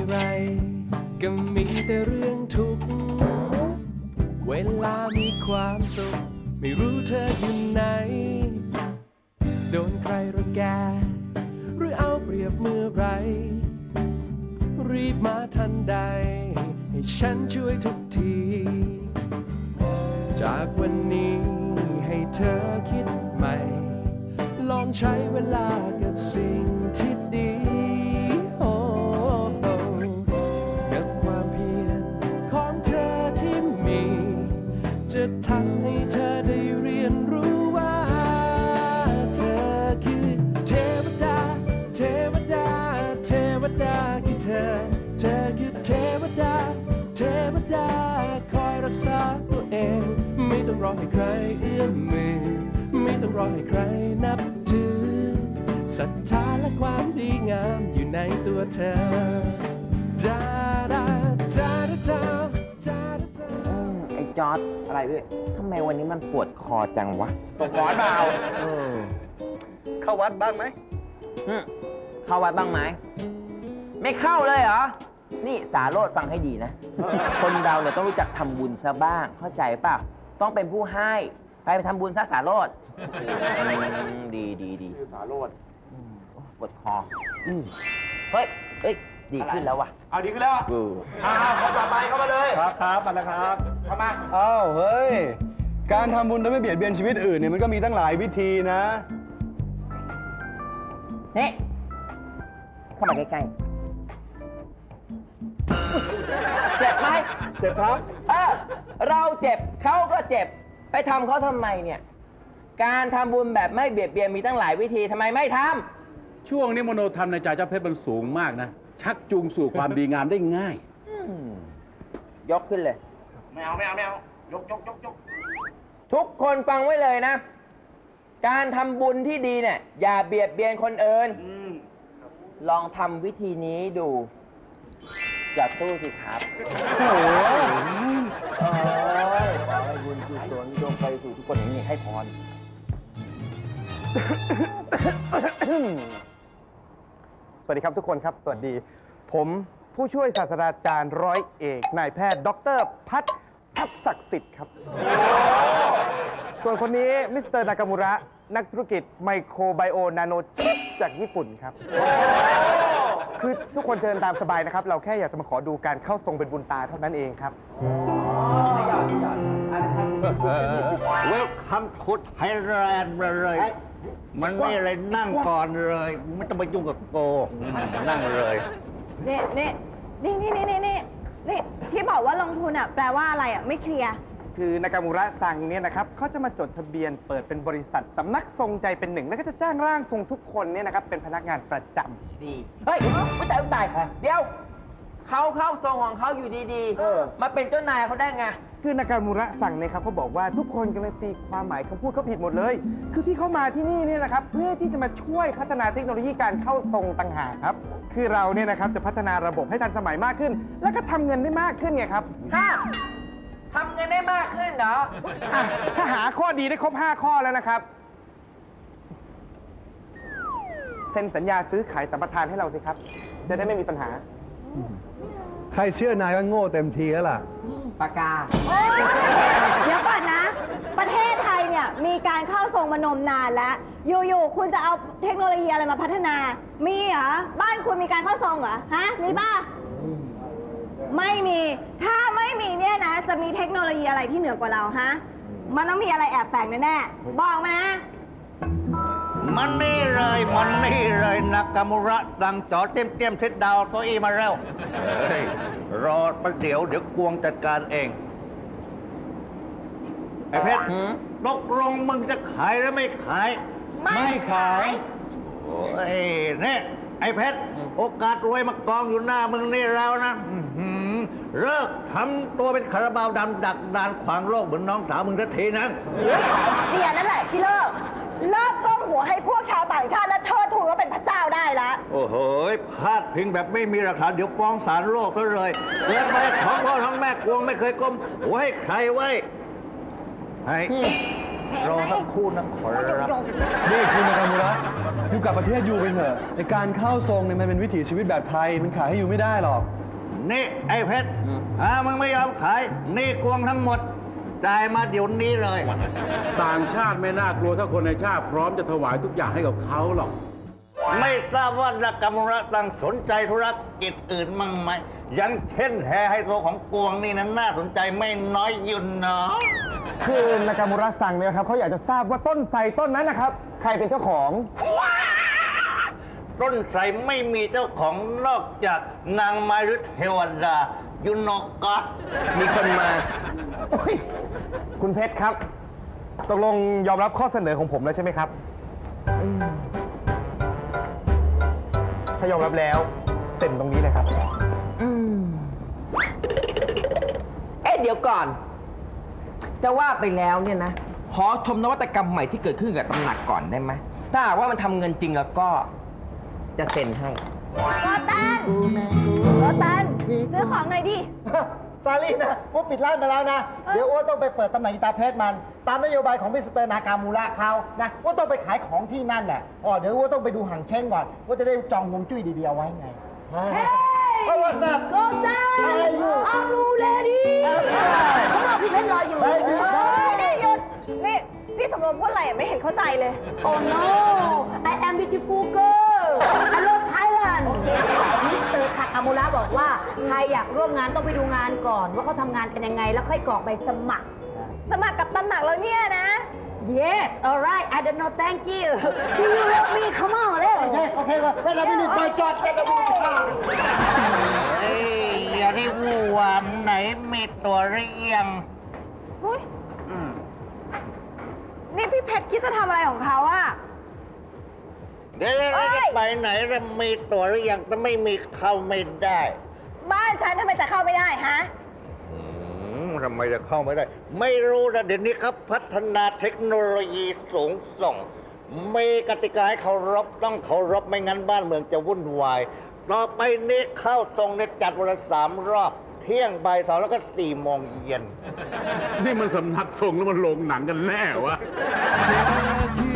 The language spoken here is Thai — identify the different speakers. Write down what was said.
Speaker 1: ไรก็มีแต่เรื่องทุกข์เวลามีความสุขไม่รู้เธออยู่ไหนโดนใครรังแกหรือเอาเปรียบเมื่อไรรีบมาทันใดให้ฉันช่วยทุกทีจากวันนี้ให้เธอคิดใหม่ลองใช้เวลากับสิ่งที่ดีกับความเพียรของเธอที่มีจะทำให้เธอได้เรียนรู้ว่าเธอคือเทวดาเทวดาเทวดาคือเธอคือเทวดาเทวดาคอยรักษาตัวเองไม่ต้องรอให้ใครเอื้อมมือไม่ต้องรอให้ใครนับถือศรัทธาและความดีงามอยู่ในตัวเธอจาดาจาดาจาจาดาจา
Speaker 2: ไอ้จอร์ดอะไรพี่ทำไมวันนี้มันปวดคอจังวะ
Speaker 3: ตกหมอนเปล่าเข้าวัดบ้างไหม
Speaker 2: เข้าวัดบ้างไหมไม่เข้าเลยเหรอนี่สาโรจน์ฟังให้ดีนะ คนเราเนี่ยต้องรู้จักทำบุญซะบ้างเข้าใจป่ะต้องเป็นผู้ให้ไปทำบุญซะสาโรจน์ดี
Speaker 3: คือสาโรจน์
Speaker 2: ปวดคอเฮ้ยดีขึ้นแล้วว่ะ
Speaker 3: เอาดีขึ้นแล้วคนต่อไปเข้ามาเลยครับมาแล้วครับเข้ามา
Speaker 4: อ้าวเฮ้ยการทำบุญโดยไม่เบียดเบียนชีวิตอื่นเนี่ยมันก็มีตั้งหลายวิธีนะ
Speaker 2: นี่เข้ามาใกล้ๆเจ็บไหม
Speaker 3: เจ็บครับ
Speaker 2: เราเจ็บเขาก็เจ็บไปทำเขาทำไมเนี่ยการทำบุญแบบไม่เบียดเบียนมีตั้งหลายวิธีทำไมไม่ท
Speaker 5: ำช่วงนี้มโนธรรมในใจเจ้าเพชรมันสูงมากนะชักจูงสู่ความดีงามได้ง่าย
Speaker 2: ยกขึ้นเลย
Speaker 3: ไม่เอายก
Speaker 2: ทุกคนฟังไว้เลยนะการทำบุญที่ดีเนี่ยอย่าเบียดเบียนคนอื่นลองทำวิธีนี้ดูอย่าตู้สิครับ
Speaker 4: โอ้โห
Speaker 2: ขอให้บุญกุศลจงไปสู่ทุกคนอย่างนี้ให้พร
Speaker 4: สวัสดีครับทุกคนครับสวัสดีผมผู้ช่วยศาสตราจารย์ร้อยเอกนายแพทย์ดร.พัฒน์ทัพศักดิ์สิทธิ์ครับส่วนคนนี้มิสเตอร์นากามุระนักธุรกิจไมโครไบโอนาโนชิปจากญี่ปุ่นครับคือทุกคนเชิญตามสบายนะครับเราแค่อยากจะมาขอดูการเข้าทรงเป็นบุญตาเท่านั้นเองครับ
Speaker 6: เวลคัมทุดไฮแลนด์เลยมันไม่อะไรนั่งก่อนเลยไม่ต้องไปยุ่งกับโกนั่งเลย
Speaker 7: นี่ที่บอกว่าลงทุนอ่ะแปลว่าอะไรอ่ะไม่เคลียร์
Speaker 4: คือนากามูระซังเนี่ยนะครับเขาจะมาจดทะเบียนเปิดเป็นบริษัทสำนักทรงใจเป็นหนึ่งแล้วก็จะจ้างร่างทรงทุกคนเนี่ยนะครับเป็นพนักงานประจำ
Speaker 2: ดีเฮ้ยไม่ตายเดี๋ยวเขาเข้าทรงของเขาอยู่ดีๆมาเป็นเจ้านายเขาได้ไง
Speaker 4: คือนากามูระสั่งเนี่ยครับเขาบอกว่าทุกคนกำลังตีความหมายคำพูดเขาผิดหมดเลยคือที่เขามาที่นี่เนี่ยนะครับเพื่อที่จะมาช่วยพัฒนาเทคโนโลยีการเข้าทรงต่างหากครับคือเราเนี่ยนะครับจะพัฒนาระบบให้ทันสมัยมากขึ้นแล้วก็ทำเงินได้มากขึ้นไงครับ
Speaker 2: ทำเงินได้มากขึ้นเหรอ
Speaker 4: ถ้าหาข้อดีได้ครบ5ข้อแล้วนะครับเซ็นสัญญาซื้อขายสัมปทานให้เราสิครับจะได้ไม่มีปัญหาใครเชื่อนายก็โง่เต็มทีแล้วล่ะ
Speaker 2: ปากกา
Speaker 7: เดี๋ยวก่อนนะประเทศไทยเนี่ยมีการเข้าทรงมานมนานแล้วอยู่ๆคุณจะเอาเทคโนโลยีอะไรมาพัฒนามีเหรอบ้านคุณมีการเข้าทรงเหรอฮะมีป่ะไม่มีถ้าไม่มีเนี่ยนะจะมีเทคโนโลยีอะไรที่เหนือกว่าเราฮะมันต้องมีอะไรแอบแฝงแน่ๆบอกมานะ
Speaker 6: มันนี่เลยนากามุระสั่งจอเตรียมเซตดาวตัวอีมาแล้วรอประเดี๋ยวกวงจัดการเองไอ้เพชรตกลงมึงจะขายหรือไม่ขาย
Speaker 7: ไม่ขาย
Speaker 6: โอ้ยเนี่ยไอ้เพชรโอกาสรวยมากองอยู่หน้ามึงนี่แล้วนะเลิกทำตัวเป็นคาราบาวดำดักดานขวางโลกเหมือนน้องสาวมึงสักทีนะ
Speaker 7: เสียนั่นแหละที่เลิกก้มหัวให้พวกชาวต่างชาติและเทิดทูนว่าเป็นพระเจ้าได้ละ
Speaker 6: โอ้โหพาดพิงแบบไม่มีหลักฐานเดี๋ยวฟ้องศาลโลกซะเลยเกิดไปท้องพ่อท้องแม่กวงไม่เคยก้มหัวให้ใครไว้ให้รอสักครู่นะขอรับ
Speaker 4: นี่คุณนากามูระอยู่กับประเทศยูไปเถอะในการเข้าทรงเนี่ยมันเป็นวิถีชีวิตแบบไทยมันขายให้ยูไม่ได้หรอก
Speaker 6: นี่ไอ้เพชรมึงไม่ยอมขายนี่กวงทั้งหมดจ่ายมาเดี๋ยวนี้เลย
Speaker 5: ต่างชาติไม่น่ากลัวถ้าคนในชาติพร้อมจะถวายทุกอย่างให้กับเขาหรอก
Speaker 6: ไม่ทราบว่านักกรรมระสั่งสนใจธุรกิจอื่นมั่งไหมอย่างเช่นแฮไฮโซของกวงนี่นั้นน่าสนใจไม่น้อยยุ่นเนาะ
Speaker 4: คือนากามูระซังเนี่ยครับเขาอยากจะทราบว่าต้นไทรต้นนั้นนะครับ ใครเป็นเจ้าของ
Speaker 6: ต้นไทรไม่มีเจ้าของนอกจากนางไม้หรือเทวดายุนกก็
Speaker 2: มีคนมา
Speaker 4: โอ้ยคุณเพชรครับ ตกลงยอมรับข้อเสนอของผมแล้วใช่ไหมครับ ถ้ายอมรับแล้วเซ็นตรงนี้เลยครับ
Speaker 2: เอ๊ะเดี๋ยวก่อน จะว่าไปแล้วเนี่ยนะ ขอชมนวัตกรรมใหม่ที่เกิดขึ้นกับตำหนักก่อนได้ไหม ถ้าหากว่ามันทำเงินจริงแล้วก็จะเซ็นให้
Speaker 7: โรตันซื้อของหน่อยดิ
Speaker 8: ซาลี่นะว่าปิดร้านไปแล้วนะ เดี๋ยวอ้วนต้องไปเปิดตำแหน่งอีตาเพชรมัน ตามนโยบายของมิสเตอร์นากามูระเขานะอ้วนต้องไปขายของที่นั่นแหละเดี๋ยวอ้วนต้องไปดูหังเช่งก่อนว่าจะได้จองฮวงจุ้ยดีๆเอาไว้ไง
Speaker 7: Hey!
Speaker 8: What's up?
Speaker 7: Go down!
Speaker 8: How are you?
Speaker 7: I'm ready! เขาบอกพี่เพชรรออยู่
Speaker 8: เฮ้ยหยุด
Speaker 7: นี่หยุด นี่พี่สำรวมพูดอะไรไม่เห็นเข้าใจเลย
Speaker 9: Oh no I am beautiful girl I love Thailand มิสเตอร์คาคามูระบอกว่าใครอยากร่วมงานต้องไปดูงานก่อน ว่าเขาทำงานกันยังไง แล้วค่อยกรอกใบสมัคร
Speaker 7: สมัครกับตำหนักเราเนี่ยนะ
Speaker 9: Yes alright I don't know thank you See you love me come on เร็ว
Speaker 8: โอเคเวลาไม่มีไปจอดเวลาไม่มีข้าว
Speaker 6: เอ้ยอย่าได้วู่วามไหนมีตัวหรือยัง
Speaker 7: อุ๊ยนี่พี่เพชรคิดจะทำอะไรของเขาอะ
Speaker 6: เดี๋ยว
Speaker 7: เอ้ย
Speaker 6: จะไปไหนจะมีตัวหรือยังถ้าไม่มีเข้าไม่ได้
Speaker 7: บ้านฉันทำไมจะเข้าไม่ได้ฮะ
Speaker 6: ทำไมจะเข้าไม่ได้ ไม่รู้นะเดี๋ยวนี้ครับพัฒนาเทคโนโลยีสูงส่งมีกติกาให้เคารพต้องเคารพไม่งั้นบ้านเมืองจะวุ่นวาย ต่อไปนี้เข้าทรงเนี่ยจัดวันละ3 รอบ เที่ยงบ่าย 2แล้วก็4 โมงเย็น
Speaker 5: นี่มันสำนักทรงแล้วมันโรงหนังกันแน่วะ
Speaker 1: เธอคือ